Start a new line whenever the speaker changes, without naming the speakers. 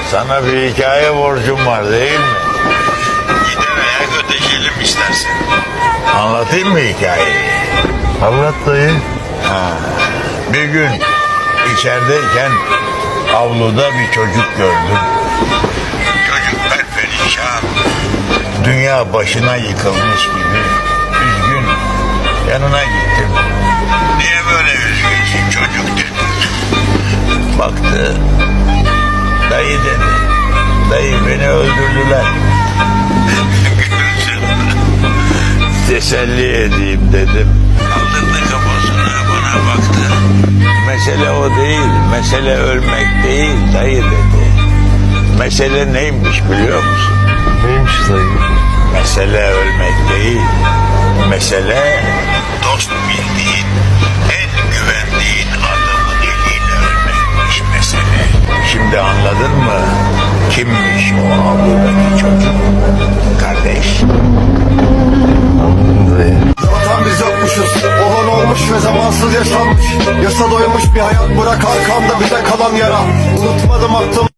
Sana bir hikaye borcum var değil mi?
Giderek ödeşelim istersen.
Anlatayım mı hikayeyi?
Anlat dayı.
Bir gün içerideyken avluda bir çocuk gördüm.
Çocuk perperişan.
Dünya başına yıkılmış gibi üzgün. Yanına gittim.
Niye böyle üzgünsün çocuk dedim.
Baktı. Dayı dedi. Dayı beni öldürdüler.
Gülsün.
Teselli edeyim dedim.
Kaldırdı kafasını bana baktı.
Mesele o değil. Mesele ölmek değil dayı dedi. Mesele neymiş biliyor musun?
Neymiş dayı?
Mesele ölmek değil. Mesele
Dost bildiğin, en güvendiğin adamın eliyle ölmekmiş mesele.
şimdi anladın mı? Kimmiş o avludaki çocuk? Kardeş.
Anladım dayı.
Zaten biz yokmuşuz. Olan olmuş ve zamansız yaşanmış. Yasa doymuş bir hayat bırak arkamda bize kalan yara. Unutmadım attım